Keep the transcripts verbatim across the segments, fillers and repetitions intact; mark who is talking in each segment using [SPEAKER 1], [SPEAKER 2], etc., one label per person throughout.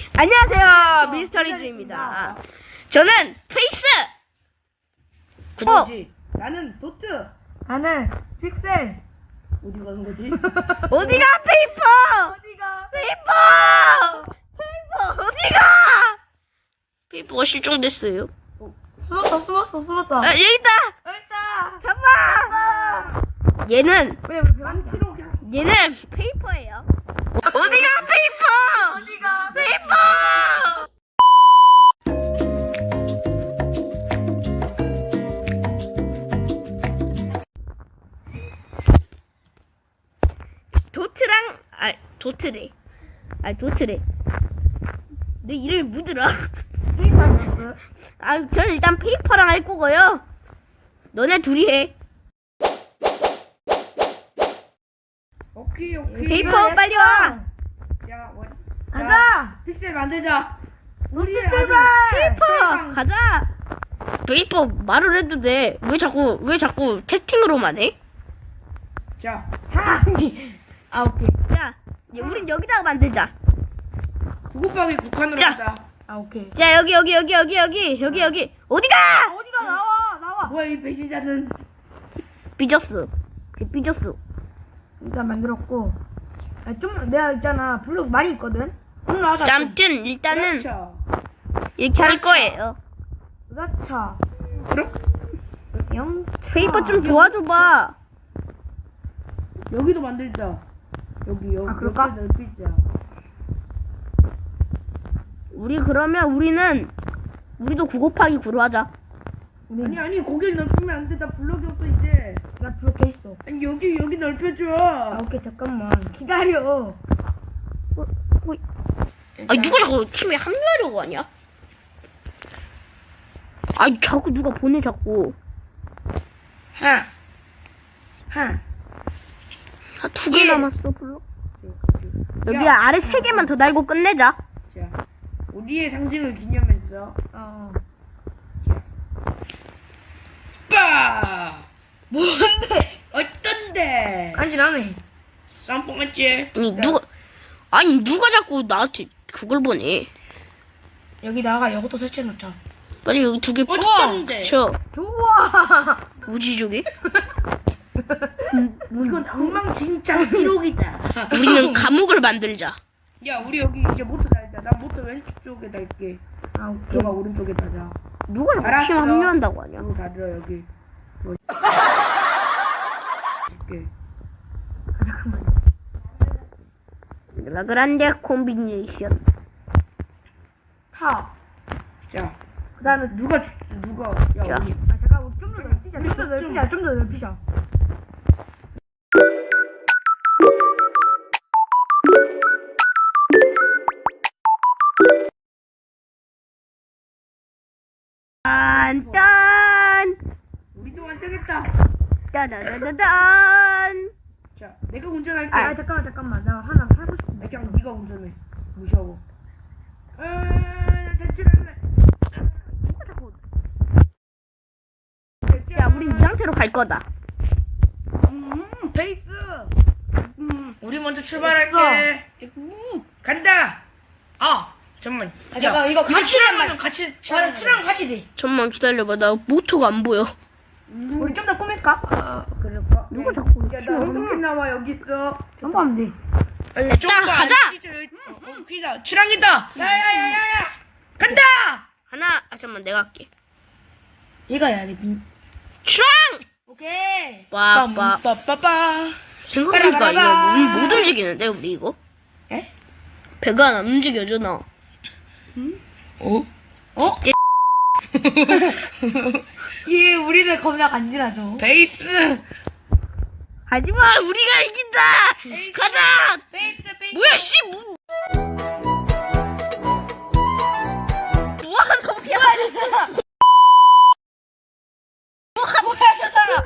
[SPEAKER 1] 안녕하세요, 미스터리즈입니다. 저는 페이스.
[SPEAKER 2] 그거지. 나는 도트.
[SPEAKER 3] 나는 픽셀.
[SPEAKER 2] 어디 가는 거지?
[SPEAKER 1] 어디가 페이퍼?
[SPEAKER 3] 어디가?
[SPEAKER 1] 페이퍼! 페이퍼 어디가? 페이퍼가 실종됐어요.
[SPEAKER 3] 숨었어, 숨었어, 숨었어.
[SPEAKER 1] 아, 여기 있다.
[SPEAKER 3] 여기 있다.
[SPEAKER 1] 잡아. 얘는
[SPEAKER 3] 왜, 왜, 왜?
[SPEAKER 2] 망치로 그냥.
[SPEAKER 1] 얘는 페이퍼예요. 어디가 페이퍼?
[SPEAKER 3] 어디가?
[SPEAKER 1] 페이퍼! 도트랑 아 도트래. 아 도트래. 내 이름이 뭐더라?
[SPEAKER 3] 페이퍼였어.
[SPEAKER 1] 아, 저는 일단 페이퍼랑 할 거고요. 너네 둘이 해.
[SPEAKER 2] 오케이 오케이.
[SPEAKER 1] 페이퍼 빨리 와.
[SPEAKER 2] 야, 원.
[SPEAKER 3] 가자.
[SPEAKER 2] 픽셀 만들자. 우리
[SPEAKER 3] 출발.
[SPEAKER 1] 페이퍼 가자. 페이퍼 말을 해도 돼. 왜 자꾸 왜 자꾸 채팅으로만 해?
[SPEAKER 2] 자,
[SPEAKER 3] 하. 아, 오케이.
[SPEAKER 1] 자, 이제 우린 여기다가 만들자.
[SPEAKER 2] 구급방이 국한으로
[SPEAKER 1] 자.
[SPEAKER 2] 하자.
[SPEAKER 3] 아, 오케이.
[SPEAKER 1] 자, 여기 여기 여기 여기 여기 여기 여기 어디가?
[SPEAKER 3] 어디가 나와, 나와.
[SPEAKER 2] 뭐야 이 배신자는?
[SPEAKER 1] 삐졌어. 삐졌어.
[SPEAKER 3] 일단 만들었고. 아, 좀 내가 있잖아. 블록 많이 있거든.
[SPEAKER 2] 오늘 하자.
[SPEAKER 1] 자, 아무튼 일단은
[SPEAKER 2] 그렇죠.
[SPEAKER 1] 이렇게 할 거예요.
[SPEAKER 3] 으라차.
[SPEAKER 2] 그럼
[SPEAKER 3] 영.
[SPEAKER 1] 페이퍼 좀 도와줘봐.
[SPEAKER 2] 여기도 만들자. 여기 여기.
[SPEAKER 3] 아, 그럴까?
[SPEAKER 2] 여기다 넓히자.
[SPEAKER 1] 우리 그러면 우리는 우리도 구 곱하기 구로 하자.
[SPEAKER 2] 아니 아니 거길 넓히면 안 돼. 나 블럭이 없어 이제.
[SPEAKER 3] 나 블록 돼 있어.
[SPEAKER 2] 아니 여기 여기 넓혀줘.
[SPEAKER 3] 아, 오케이. 잠깐만. 기다려.
[SPEAKER 1] 아, 누가 자꾸 팀에 합류하려고 하냐? 아, 자꾸 누가 보내 자꾸.
[SPEAKER 2] 하. 하.
[SPEAKER 1] 아, 두 개
[SPEAKER 2] 예.
[SPEAKER 1] 남았어 블록. 여기
[SPEAKER 2] 야.
[SPEAKER 1] 아래 세 개만 더 달고 끝내자.
[SPEAKER 2] 자, 우리의 상징을 기념해서.
[SPEAKER 3] 어.
[SPEAKER 2] 빠. 뭔데? 어떤데?
[SPEAKER 3] 간지나네.
[SPEAKER 2] 쌈뽕 같지?
[SPEAKER 1] 아니 누가 아니 누가 자꾸 나한테 그걸 보내?
[SPEAKER 3] 여기다가 이것도 설치해 놓자.
[SPEAKER 1] 빨리 여기 두 개
[SPEAKER 2] 어떤데?
[SPEAKER 1] 쳐.
[SPEAKER 3] 좋아.
[SPEAKER 1] 뭐지 저게?
[SPEAKER 2] 이건 엉망진창 기록이다.
[SPEAKER 1] 우리는 감옥을 만들자.
[SPEAKER 2] 야, 우리 여기 이제 모터 달자. 나 모터 왼쪽에 달게.
[SPEAKER 3] 아, 오케이.
[SPEAKER 2] 너가 오른쪽에 달자.
[SPEAKER 1] 누가 이렇게
[SPEAKER 2] 알았어.
[SPEAKER 1] 팀 합류한다고 하냐?
[SPEAKER 2] 여기 달려 여기. 뭐. 이렇게.
[SPEAKER 1] 라그란데 콤비네이션.
[SPEAKER 3] 타.
[SPEAKER 2] 자,
[SPEAKER 3] 그 다음에
[SPEAKER 2] 누가 주- 누가? 야,
[SPEAKER 1] 자.
[SPEAKER 2] 우리.
[SPEAKER 3] 아, 잠깐, 우리 좀 더 넓히자. 좀 더 넓히자. 좀 더 넓히자.
[SPEAKER 1] 딴딴
[SPEAKER 2] 우리도 완성했다.
[SPEAKER 1] 따다다다단.
[SPEAKER 2] 자, 내가 운전할게.
[SPEAKER 3] 아, 잠깐만, 잠깐만. 나 하나 하고 싶은데.
[SPEAKER 2] 그냥 네가 운전해. 무시하고. 아, 대출할래.
[SPEAKER 1] 누가 자꾸? 야, 우리 이 상태로 갈 거다.
[SPEAKER 2] 음, 베이스. 음, 우리 먼저 출발할게. 음, 간다. 아, 잠만.
[SPEAKER 3] 아, 잠깐, 이거 같이
[SPEAKER 2] 출항하면 같이
[SPEAKER 3] 맞아, 출랑 같이 돼.
[SPEAKER 1] 잠만 기다려봐. 나 모토가 안 보여.
[SPEAKER 3] 우리 좀 더 꾸밀까?
[SPEAKER 2] 아, 그럴까?
[SPEAKER 1] 누가 자꾸
[SPEAKER 2] 야, 나 어떻게 나와 여기 있어?
[SPEAKER 3] 점프하면 돼.
[SPEAKER 2] 빨리
[SPEAKER 1] 자, 가자.
[SPEAKER 2] 어, 피다. 출항이다. 야야야야야. 간다.
[SPEAKER 1] 하나, 아 잠만 내가 할게.
[SPEAKER 3] 얘가 해야 돼.
[SPEAKER 1] 출항!
[SPEAKER 3] 오케이.
[SPEAKER 1] 빠빠.
[SPEAKER 2] 빠빠빠.
[SPEAKER 1] 생각해보니까 이거 못, 못 움직이는데 우리 이거?
[SPEAKER 3] 에?
[SPEAKER 1] 배가 안 움직여잖아.
[SPEAKER 2] 어?
[SPEAKER 3] 어? 예, 우리는 겁나 간지나죠.
[SPEAKER 2] 베이스.
[SPEAKER 1] 하지마, 우리가 이긴다. 가자.
[SPEAKER 2] 베이스 베이스.
[SPEAKER 1] 뭐야 씨 뭐? 뭐하는 거야?
[SPEAKER 3] 뭐야, 저 사람.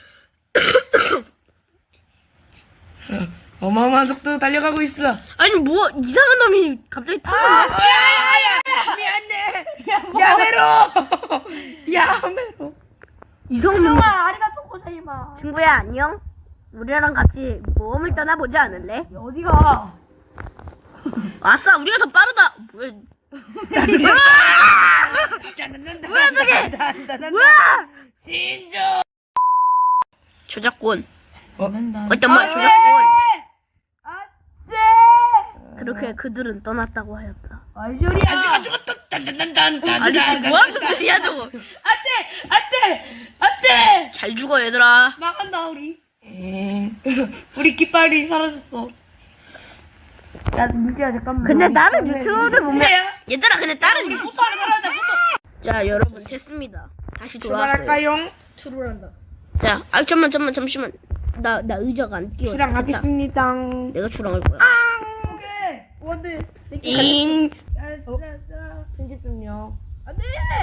[SPEAKER 2] 어마어마한 속도로 달려가고 있어.
[SPEAKER 1] 아니 뭐 이상한 놈이 갑자기 타고.
[SPEAKER 2] 야야야. 미안해. 야메로. 야메로.
[SPEAKER 1] 이상한 놈.
[SPEAKER 3] 아리가토 고사이마.
[SPEAKER 1] 친구야 안녕. 우리랑 같이 모험을 떠나보지 않을래?
[SPEAKER 3] 어디가?
[SPEAKER 1] 아싸, 우리가 더 빠르다. 뭐야?
[SPEAKER 3] 뭐야 저게? 뭐야?
[SPEAKER 2] 신조.
[SPEAKER 1] 저작권.
[SPEAKER 3] 어?
[SPEAKER 1] 어떤 말 저작권. 그렇게 그들은 떠났다고 하였다.
[SPEAKER 3] 아이 소리야.
[SPEAKER 2] 아직 안 죽었다. 딴딴딴딴.
[SPEAKER 1] 아니 뭐하는 소리야 저거?
[SPEAKER 2] 안돼 안돼 안돼.
[SPEAKER 1] 잘 죽어 얘들아.
[SPEAKER 2] 나간다 우리. 우리 깃발이 사라졌어.
[SPEAKER 3] 야 민지야 잠깐만.
[SPEAKER 1] 근데 다른 유튜버들 보면
[SPEAKER 2] 그래요?
[SPEAKER 1] 얘들아 근데 다른
[SPEAKER 2] 우리
[SPEAKER 1] 유...
[SPEAKER 2] 포토 하나 살아야 돼 포토.
[SPEAKER 1] 자 여러분 됐습니다. 다시 돌아왔어요.
[SPEAKER 2] 출발할까요?
[SPEAKER 3] 출발한다.
[SPEAKER 1] 자, 아 잠만 잠만 잠시만. 나 나 의자가 안 끼워.
[SPEAKER 2] 출항하겠습니다.
[SPEAKER 1] 내가 출항할 거야.
[SPEAKER 3] 오케이. 원대.
[SPEAKER 1] 잉.
[SPEAKER 3] 편집 좀요. 안돼.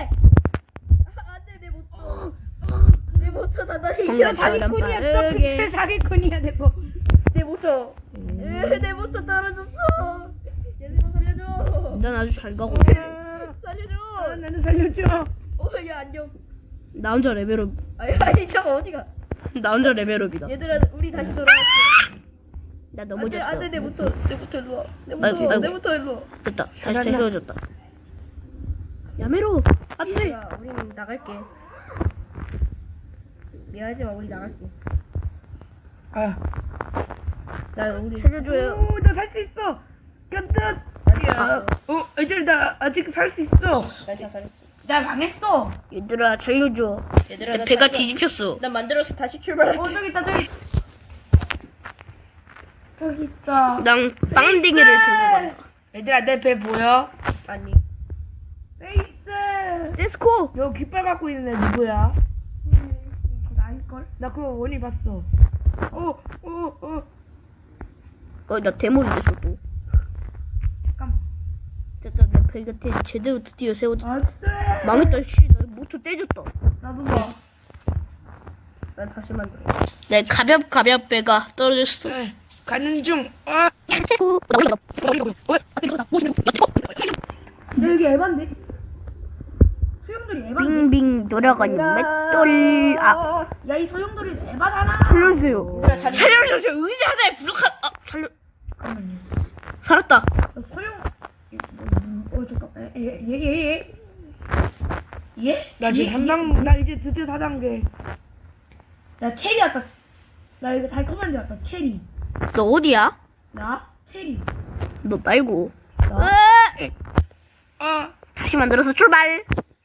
[SPEAKER 3] 안돼 내 모토. 내 모토 다 다시
[SPEAKER 1] 뭔가
[SPEAKER 3] 사기꾼이야.
[SPEAKER 1] 바람
[SPEAKER 3] 저
[SPEAKER 1] 빠르게.
[SPEAKER 3] 픽셀 사기꾼이야 내거. 내 모토. 으, 내 모토 떨어졌어. 얘들아 살려줘.
[SPEAKER 1] 난 아주 잘 가고.
[SPEAKER 3] 살려줘.
[SPEAKER 2] 아, 나는 살려줘.
[SPEAKER 3] 오야 안녕.
[SPEAKER 1] 나 혼자 레벨업.
[SPEAKER 3] 아니 아니 저거 어디가?
[SPEAKER 1] 나 혼자 레벨업이다.
[SPEAKER 3] 얘들아 우리 다시 돌아왔어.
[SPEAKER 1] 나
[SPEAKER 3] 안돼
[SPEAKER 1] 넘어졌어.
[SPEAKER 3] 안돼 내 모토 내 모토 일로 와. 내
[SPEAKER 1] 아이고,
[SPEAKER 3] 모토
[SPEAKER 1] 아이고.
[SPEAKER 3] 내 모토 일로 와.
[SPEAKER 1] 됐다. 다시 세워졌다. 야메로. 안돼.
[SPEAKER 3] 야, 우리는 나갈게. 미안하지 마, 우리 나갈게.
[SPEAKER 2] 아.
[SPEAKER 3] 나 우리
[SPEAKER 1] 살려줘요.
[SPEAKER 2] 오, 나 살 수 있어. 간다. 야. 어, 애들 나 아직 살 수 있어.
[SPEAKER 3] 나 자살했어.
[SPEAKER 2] 나 망했어.
[SPEAKER 1] 얘들아 살려줘.
[SPEAKER 3] 얘들아, 나
[SPEAKER 1] 배가
[SPEAKER 3] 살려.
[SPEAKER 1] 뒤집혔어.
[SPEAKER 3] 나 만들어서 다시 출발할게.
[SPEAKER 2] 어, 저기 있다, 저기. 저기 있다.
[SPEAKER 1] 난 빵댕이를 들고 간다.
[SPEAKER 2] 얘들아, 내 배 보여?
[SPEAKER 3] 아니.
[SPEAKER 2] 페이스.
[SPEAKER 1] 세스코.
[SPEAKER 2] 여기 깃발 갖고 있는 애 누구야? 나일걸? 나 그거 원이 봤어. 어, 어, 어.
[SPEAKER 1] 어, 나 데모지 됐어 또.
[SPEAKER 2] 잠깐만.
[SPEAKER 1] 됐다. 내 배가 대, 제대로 드디어 세워졌다.
[SPEAKER 2] 안 돼.
[SPEAKER 1] 망했다. 씨, 나 모토 떼졌다.
[SPEAKER 2] 나도 봐.
[SPEAKER 3] 나 다시 만들어.
[SPEAKER 1] 내 가볍 가볍 배가 떨어졌어.
[SPEAKER 2] 가는 중. 아.
[SPEAKER 1] 세스코.
[SPEAKER 2] 여기 에반데? 소용돌이 에반데?
[SPEAKER 1] 빙빙 돌아가는 맷돌. 아,
[SPEAKER 2] 야, 이 소용돌이 에바잖아.
[SPEAKER 1] 살려주세요.
[SPEAKER 3] 얘들아, 잘
[SPEAKER 1] 살려주세요. 의자 하나에 부족한. 아, 살려.
[SPEAKER 2] 잠깐만요.
[SPEAKER 1] 살았다.
[SPEAKER 2] 어, 소용. 어, 잠깐. 예, 예, 예, 예. 예? 나 지금 삼 단, 나 이제 드디어 사 단계. 나 체리 왔다. 나 이거 달콤한 줄 알았다. 체리.
[SPEAKER 1] 너 어디야?
[SPEAKER 2] 나? 체리.
[SPEAKER 1] 너 말고.
[SPEAKER 2] 나?
[SPEAKER 1] 으,
[SPEAKER 2] 아.
[SPEAKER 1] 다시 만들어서 출발.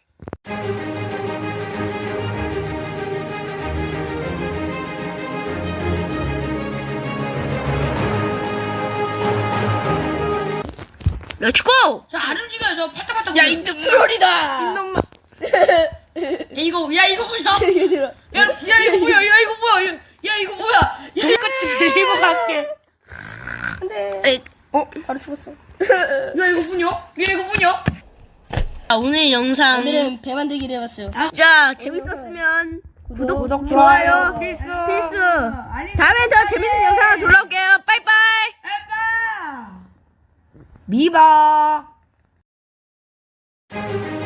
[SPEAKER 1] 렛츠고!
[SPEAKER 2] 저 안 움직여요. 저 팔짝팔짝.
[SPEAKER 1] 야, 이놈
[SPEAKER 2] 트롤이다.
[SPEAKER 1] 이놈아.
[SPEAKER 2] 야, 이거, 야, 이거 뭐야?
[SPEAKER 3] 얘들아.
[SPEAKER 2] 야, 야, 이거 뭐야? 야, 이거 뭐야? 야, 야 이거 뭐야? 야, 똑같이 밀고 갈게.
[SPEAKER 3] 안돼.
[SPEAKER 1] 에이,
[SPEAKER 2] 어?
[SPEAKER 3] 바로 죽었어.
[SPEAKER 2] 야, 이거 뭐냐? 야, 이거 뭐냐?
[SPEAKER 1] 자, 오늘 영상.
[SPEAKER 3] 오늘은 배 만들기를 해봤어요.
[SPEAKER 1] 자, 재밌었으면 구독,
[SPEAKER 2] 구독,
[SPEAKER 1] 좋아요,
[SPEAKER 2] 좋아요, 필수.
[SPEAKER 1] 필수.
[SPEAKER 2] 아니,
[SPEAKER 1] 다음에 더 재밌는 영상으로 돌아올게요. 빠이빠이.
[SPEAKER 2] 아빠. 미바.